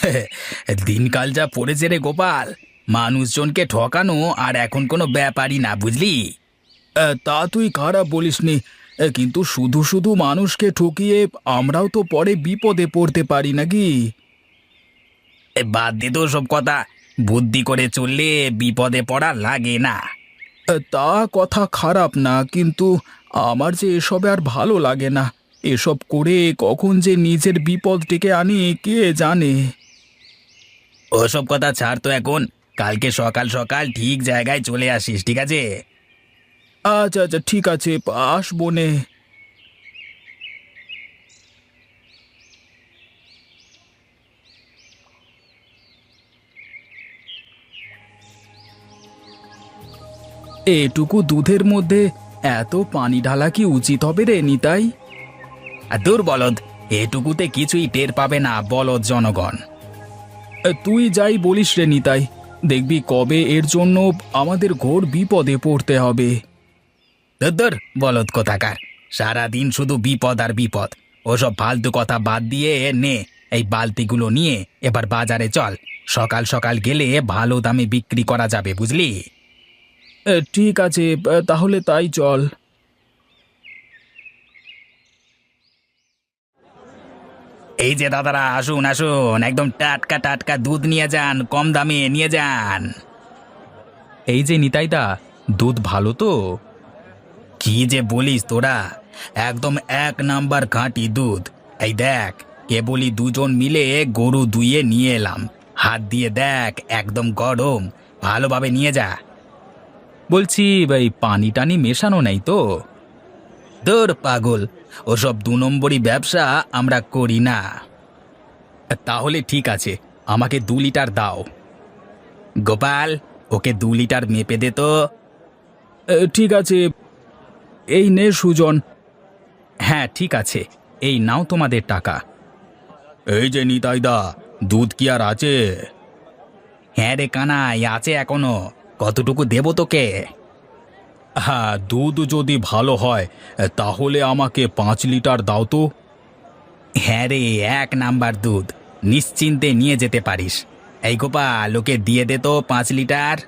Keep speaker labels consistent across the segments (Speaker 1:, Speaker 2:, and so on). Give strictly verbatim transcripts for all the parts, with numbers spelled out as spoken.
Speaker 1: দিনকাল যা পড়েছে রে গোপাল, মানুষজনকে ঠকানো আর এখন কোনো ব্যাপারই না, বুঝলি? আহ, তা তুই খারাপ বলিসনি। আহ, কিন্তু শুধু শুধু মানুষকে ঠকিয়ে আমরাও তো পরে বিপদে পড়তে পারি নাকি? এ, বাদ দে তো সব কথা। বুদ্ধি করে চললে বিপদে পড়া লাগে না। আহ, তা কথা খারাপ না, কিন্তু আমার যে এসবে আর ভালো লাগে না। এসব করে কখন যে নিজের বিপদ ডেকে আনি কে জানে। ওসব কথা ছাড় তো এখন। কালকে সকাল সকাল ঠিক জায়গায় চলে আসিস, ঠিক আছে? আচ্ছা আচ্ছা, ঠিক আছে, আসবো নে। এটুকু দুধের মধ্যে এত পানি ঢালা কি উচিত হবে রে নিতাই? আর দূর বলদ, এটুকুতে কিছুই টের পাবে না বলদ জনগণ। এ, তুই যাই বলিস রে নিতাই, দেখবি কবে এর জন্য আমাদের ঘোর বিপদে পড়তে হবে। ধর বলদ কোথাকার, সারাদিন শুধু বিপদ আর বিপদ। ওসব ফালতু কথা বাদ দিয়ে নে, এই বালতিগুলো নিয়ে এবার বাজারে চল। সকাল সকাল গেলে ভালো দামে বিক্রি করা যাবে, বুঝলি? এ, ঠিক আছে, এ, তাহলে তাই চল। এই যে দাদারা, আসুন আসুন, একদম টাটকা টাটকা দুধ নিয়ে যান, কম দামে নিয়ে যান। এই যে নিতাইদা, দুধ ভালো তো? কি যে বলিস তোরা, একদম এক নাম্বার খাঁটি দুধ। এই দেখ, কেবলই দুজন মিলে গরু দুইয়ে নিয়ে এলাম। হাত দিয়ে দেখ, একদম গরম। ভালোভাবে নিয়ে যা। বলছি ভাই, পানি টানি মেশানো নেই তো? দূর পাগল, ওসব দু নম্বরই ব্যবসা আমরা করি না। তাহলে ঠিক আছে, আমাকে দু লিটার দাও। গোপাল, ওকে দু লিটার মেপে দে তো। ঠিক আছে, এই নে সুজন। হ্যাঁ ঠিক আছে, এই নাও তোমাদের টাকা। এই যে নিতাইদা, দুধ কি আর আছে? হ্যাঁ রে কানাই, আছে এখনো। কতটুকু দেবো তোকে? হ্যাঁ, দুধ যদি ভালো হয় তাহলে আমাকে পাঁচ লিটার দাও তো। হ্যাঁ রে, এক নাম্বার দুধ, নিশ্চিন্তে নিয়ে যেতে পারিস। এই গোপাল, ওকে দিয়ে দে তো পাঁচ লিটার।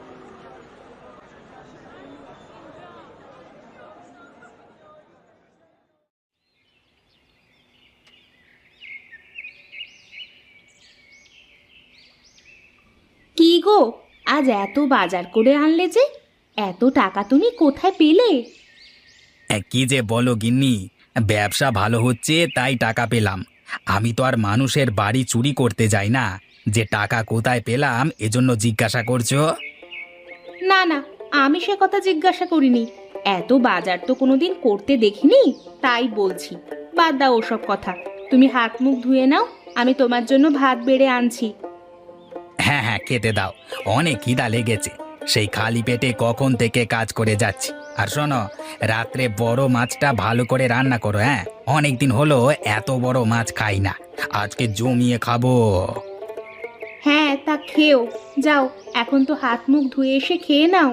Speaker 2: কি গো, আজ এত বাজার করে আনলে যে? এত টাকা তুমি কোথায় পেলে?
Speaker 1: কি যে বলো গিন্নি, ব্যবসা ভালো হচ্ছে তাই টাকা পেলাম। আমি তো আর মানুষের বাড়ি চুরি করতে যাই না, যে টাকা কোথায় পেলাম এজন্য জিজ্ঞাসা করছো।
Speaker 2: না না, আমি সে কথা জিজ্ঞাসা করিনি। এত বাজার তো কোনোদিন করতে দেখিনি, তাই বলছি। বাদ দাও ওসব কথা। তুমি হাত মুখ ধুয়ে নাও, আমি তোমার জন্য ভাত বেড়ে আনছি।
Speaker 1: হ্যাঁ হ্যাঁ, খেতে দাও, অনেক খিদা লেগেছে। সেই খালি পেটে কখন থেকে কাজ করে যাচ্ছি। আর শোনো, রাত্রে বড় মাছটা ভালো করে রান্না করো। হ্যাঁ, অনেকদিন হলো এত বড় মাছ খাই না, আজকে জমিয়ে খাবো।
Speaker 2: হ্যাঁ, তা খেও। যাও, এখন তো হাত মুখ ধুয়ে এসে খেয়ে নাও।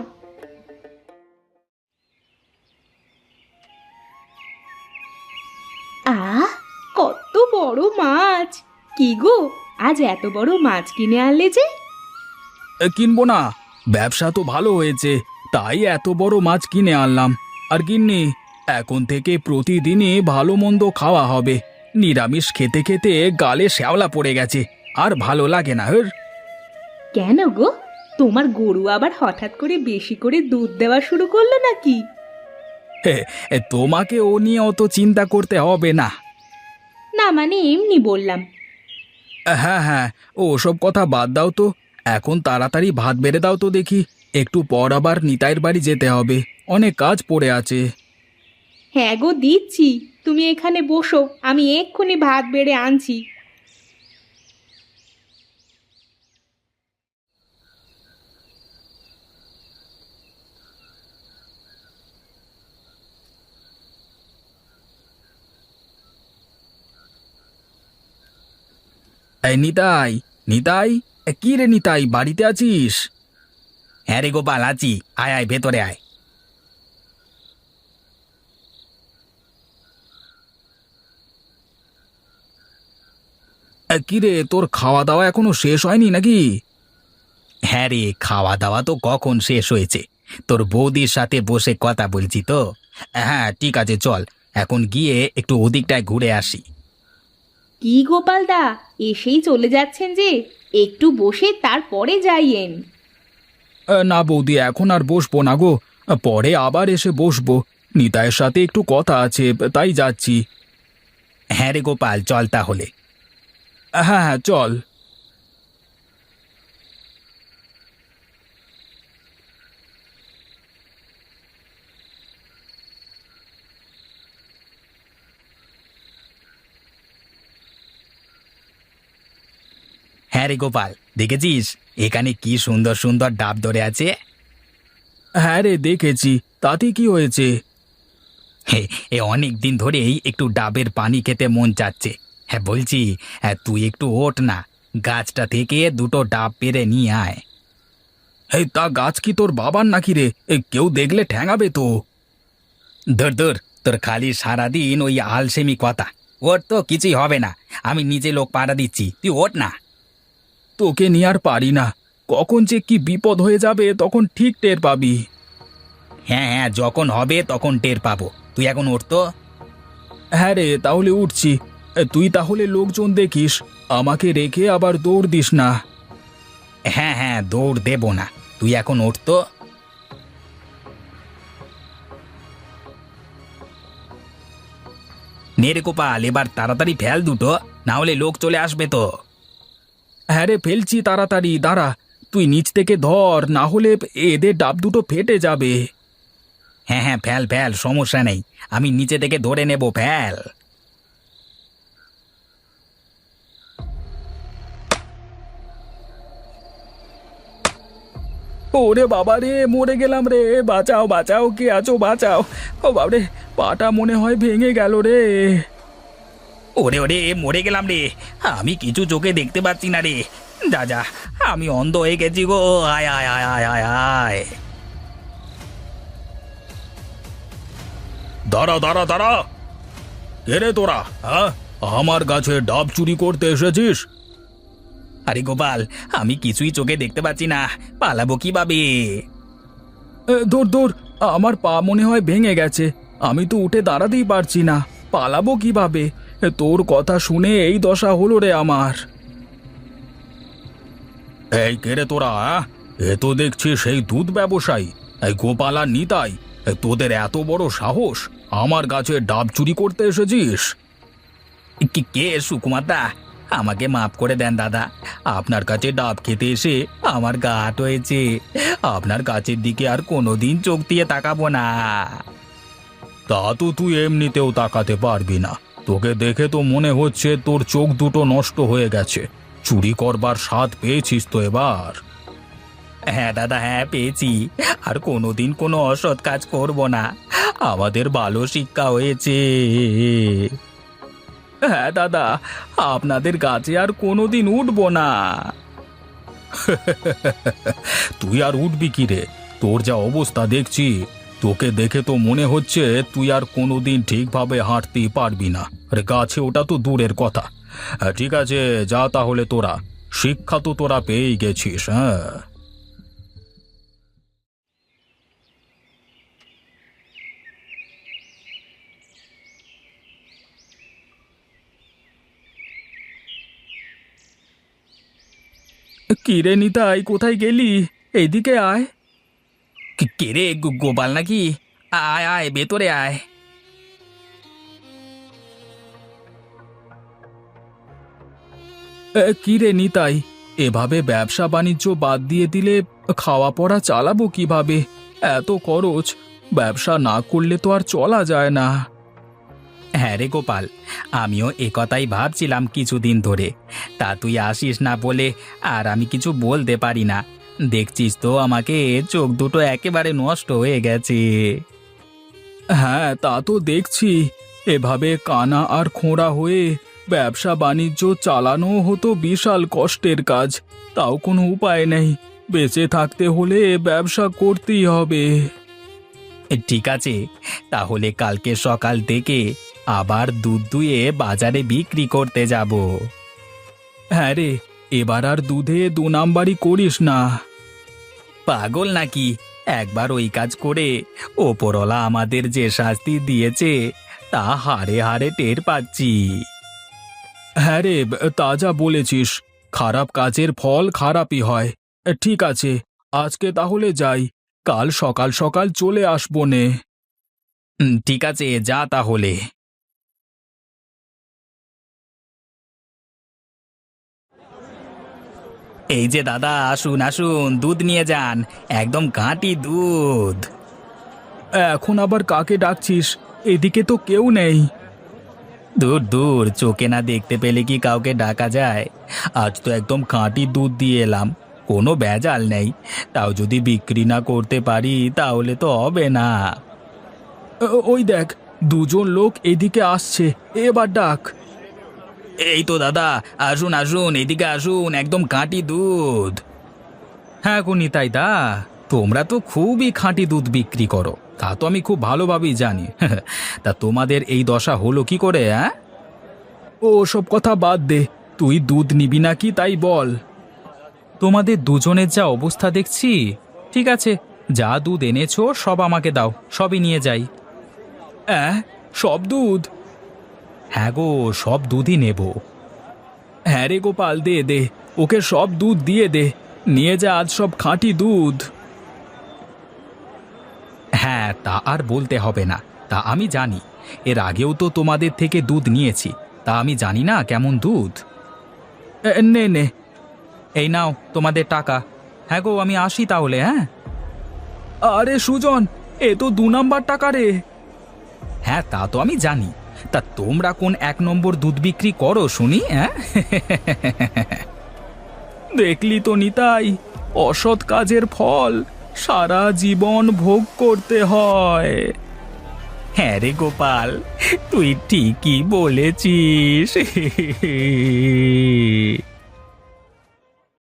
Speaker 2: আহ, কত বড় মাছ! কি গো, আজ এত বড় মাছ কিনে আনলে যে?
Speaker 1: এ, কিনবো না, ব্যবসা তো ভালো হয়েছে, তাই এত বড় মাছ কিনে আনলাম। আর গিন্নি, এখন থেকে প্রতিদিনই ভালো মন্দ খাওয়া হবে। নিরামিষ খেতে খেতে গালে শ্যাওলা পড়ে গেছে, আর ভালো লাগে না। হের।
Speaker 2: কেন গো, তোমার গরু আবার হঠাৎ করে বেশি করে দুধ দেওয়া শুরু করলো নাকি?
Speaker 1: হে, এ, তোমাকে ও নিয়ে অত চিন্তা করতে হবে না।
Speaker 2: না মানে এমনি বললাম।
Speaker 1: হ্যাঁ হ্যাঁ, ও সব কথা বাদ দাও তো। এখন তাড়াতাড়ি ভাত বেড়ে দাও তো দেখি। একটু পর আবার নিতাইয়ের বাড়ি যেতে হবে, অনেক কাজ পড়ে আছে।
Speaker 2: হ্যাঁ গো, দিচ্ছি। তুমি এখানে বসো, আমি এক্ষুনি ভাত বেড়ে আনছি।
Speaker 1: এই নিতাই, নিতাই, এ, কি রে নিতাই, বাড়িতে আছিস? হ্যাঁ রে গোপাল, আছি। আয় আয়, ভেতরে আয়। এ, কিরে, তোর খাওয়া দাওয়া এখনো শেষ হয়নি নাকি? হ্যাঁ রে, খাওয়া দাওয়া তো কখন শেষ হয়েছে। তোর বৌদির সাথে বসে কথা বলছি তো। হ্যাঁ ঠিক আছে, চল এখন গিয়ে একটু ওদিকটায় ঘুরে আসি।
Speaker 2: কি গোপাল দা, এসেই চলে যাচ্ছেন যে? একটু বসে তারপরে যাইয়েন।
Speaker 1: না বৌদি, এখন আর বসবো না গো, পরে আবার এসে বসবো। নিতাইয়ের সাথে একটু কথা আছে, তাই যাচ্ছি। হ্যাঁ রে গোপাল, চল তাহলে। হ্যাঁ হ্যাঁ চল। হ্যাঁ রে গোপাল, দেখেছিস এখানে কি সুন্দর সুন্দর ডাব ধরে আছে? হ্যাঁ রে দেখেছি, তাতে কি হয়েছে? হে, এ অনেক দিন ধরেই একটু ডাবের পানি খেতে মন চাচ্ছে। হ্যাঁ বলছি, হ্যাঁ তুই একটু ওঠ না, গাছটা থেকে দুটো ডাব পেড়ে নিয়ে আয়। এই তা গাছ কি তোর বাবার নাকি রে? এ, কেউ দেখলে ঠ্যাঙাবে তো। ধর ধর, তোর খালি সারাদিন ওই আলসেমি কথা। ওর তো কিছুই হবে না, আমি নিজে লোক পাড়া দিচ্ছি, তুই ওঠ না। তোকে নিয়ে আর পারি না, কখন যে কি বিপদ হয়ে যাবে তখন ঠিক টের পাবি। হ্যাঁ হ্যাঁ, যখন হবে তখন টের পাবো, তুই এখন ওঠ তো। হ্যাঁ রে, তাহলে উঠছি। এ, তুই তাহলে লোকজন দেখিস, আমাকে রেখে আবার দৌড় দিস না। হ্যাঁ হ্যাঁ, দৌড় দেব না, তুই এখন ওঠ তো। নে রে গোপাল, এবার তাড়াতাড়ি ফেল দুটো, না হলে লোক চলে আসবে তো। হ্যাঁ রে, ফেলছি তাড়াতাড়ি, দাঁড়া। তুই নিচ থেকে ধর, না হলে এদের ডাব দুটো ফেটে যাবে। হ্যাঁ হ্যাঁ, ফেল ফেল, সমস্যা নেই, আমি নিচে থেকে ধরে নেব, ফেল। ওরে বাবা রে, মরে গেলাম রে, বাঁচাও বাঁচাও, কে আছো বাঁচাও। ও বাবরে, পাটা মনে হয় ভেঙে গেল রে। ওরে ওরে, মরে গেলাম রে, আমি কিছু চোখে দেখতে পাচ্ছি না রে। যা যা, আমি অন্ধ হয়ে গেছি গো, আয় আয় আয় আয় আয় আয়। দাঁড়া দাঁড়া দাঁড়া, কে রে তোরা? হ্যাঁ, আমার গাছে ডাব চুরি করতে এসেছিস? আরে গোপাল, আমি কিছুই চোখে দেখতে পাচ্ছি না, পালাবো কিভাবে? দূর দূর, আমার পা মনে হয় ভেঙে গেছে, আমি তো উঠে দাঁড়াতেই পারছি না, পালাবো কিভাবে? তোর কথা শুনে এই দশা হলো রে আমার। এই কে রে তোরা? এ তো দেখছি সেই দুধ ব্যবসায়ী, এই গোপাল আর নিতাই। এ, তোদের এত বড় সাহস, আমার গাছে ডাব চুরি করতে এসেছিস? কি- কে সুকুমার দা, আমাকে মাফ করে দেন দাদা, আপনার কাছে ডাব খেতে এসে আমার গা হাট হয়েছে, আপনার গাছের দিকে আর কোনোদিন চোখ দিয়ে তাকাবো না। তা তো তুই এমনিতেও তাকাতে পারবি না, তোকে দেখে তো মনে হচ্ছে তোর চোখ দুটো নষ্ট হয়ে গেছে। চুরি করবার স্বাদ পেয়েছিস তো এবার? হ্যাঁ দাদা, হ্যাঁ পেয়েছি, আর কোনোদিন কোনো অসৎ কাজ করব না, আমাদের ভালো শিক্ষা হয়েছে। হ্যাঁ দাদা, আপনাদের গাছে আর কোনোদিন উঠবো না। তুই আর উঠবি কি রে? তোর যা অবস্থা দেখছি, তোকে দেখে তো মনে হচ্ছে তুই আর কোনোদিন ঠিকভাবে হাঁটতেই পারবি না। আরে গাছে ওটা তো দূরের কথা। হ্যাঁ, ঠিক আছে, যা তাহলে, তোরা শিক্ষা তো তোরা পেয়েই গেছিস। হ্যাঁ, কি রে নিতাই, কোথায় গেলি? এইদিকে আয়। কে রে, গোপাল নাকি? আয় আয়, ভেতরে আয়। কি রে নিতাই, এভাবে ব্যবসা বাণিজ্য বাদ দিয়ে দিলে খাওয়া পড়া চালাবো কিভাবে? এত খরচ, ব্যবসা না করলে তো আর চলা যায় না। হ্যাঁ রে গোপাল, আমিও এ কথাই ভাবছিলাম কিছুদিন ধরে, তা তুই আসিস না বলে আর আমি কিছু বলতে পারি না। দেখছিস তো আমাকে, চোখ দুটো একেবারে নষ্ট হয়ে গেছে। হ্যাঁ তা তো দেখছি, এভাবে কানা আর খোঁড়া হয়ে ব্যবসা বাণিজ্য চালানো হতো বিশাল কষ্টের কাজ, তাও কোনো উপায় নেই, বেঁচে থাকতে হলে ব্যবসা করতেই হবে। ঠিক আছে, তাহলে কালকে সকাল থেকে আবার দুধ দুয়ে বাজারে বিক্রি করতে যাব। হ্যাঁ রে, এবার আর দুধে দু নাম্বারই করিস না। পাগল নাকি? একবার ওই কাজ করে ওপরওয়ালা আমাদের যে শাস্তি দিয়েছে তা হারে হারে টের পাচ্ছি। হ্যাঁ রে, তা যা বলেছিস, খারাপ কাজের ফল খারাপই হয়। ঠিক আছে, আজকে তাহলে যাই, কাল সকাল সকাল চলে আসবো নে। ঠিক আছে, যা তাহলে। এই যে দাদা, আসুন আসুন, দুধ নিয়ে যান, একদম খাঁটি দুধ। এখন আবার কাকে ডাকছিস? এদিকে তো কেউ নেই। দূর দূর, চোখে না দেখতে পেলে কি কাউকে ডাকা যায়? আজ তো একদম খাঁটি দুধ দিয়ে এলাম, কোনো ভেজাল নেই। তাও যদি বিক্রি না করতে পারি তাহলে তো হবে না। ও- ওই দেখ, দুজন লোক এদিকে আসছে, এবার ডাক। এই তো দাদা, আসুন আসুন, এদিকে আসুন, একদম খাঁটি দুধ। হ্যাঁ গো নিতাই দা, তোমরা তো খুবই খাঁটি দুধ বিক্রি করো, তা তো আমি খুব ভালোভাবেই জানি। তা তোমাদের এই দশা হলো কি করে? হ্যাঁ, ও সব কথা বাদ দে, তুই দুধ নিবি নাকি তাই বল। তোমাদের দুজনের যা অবস্থা দেখছি, ঠিক আছে, যা দুধ এনেছো সব আমাকে দাও, সবই নিয়ে যাই। অ্যাঁ, সব দুধ? হ্যাঁ গো, সব দুধই নেব। হ্যাঁ রে গোপাল, দে দে, ওকে সব দুধ দিয়ে দে, নিয়ে যা আজ সব খাঁটি দুধ। হ্যাঁ, তা আর বলতে হবে না, তা আমি জানি, এর আগেও তো তোমাদের থেকে দুধ নিয়েছি, তা আমি জানি না কেমন দুধ। এ, নে নে, এই নাও তোমাদের টাকা। হ্যাঁ গো, আমি আসি তাহলে। হ্যাঁ। আরে সুজন, এ তো দু নাম্বার টাকা রে। হ্যাঁ, তা তো আমি জানি, তা তোমরা কোন এক নম্বর দুধ বিক্রি করো শুনি? হ্যাঁ। দেখলি তো নিতাই, অসৎ কাজের ফল সারা জীবন ভোগ করতে হয়। হ্যাঁ রে গোপাল, তুই ঠিকই বলেছিস।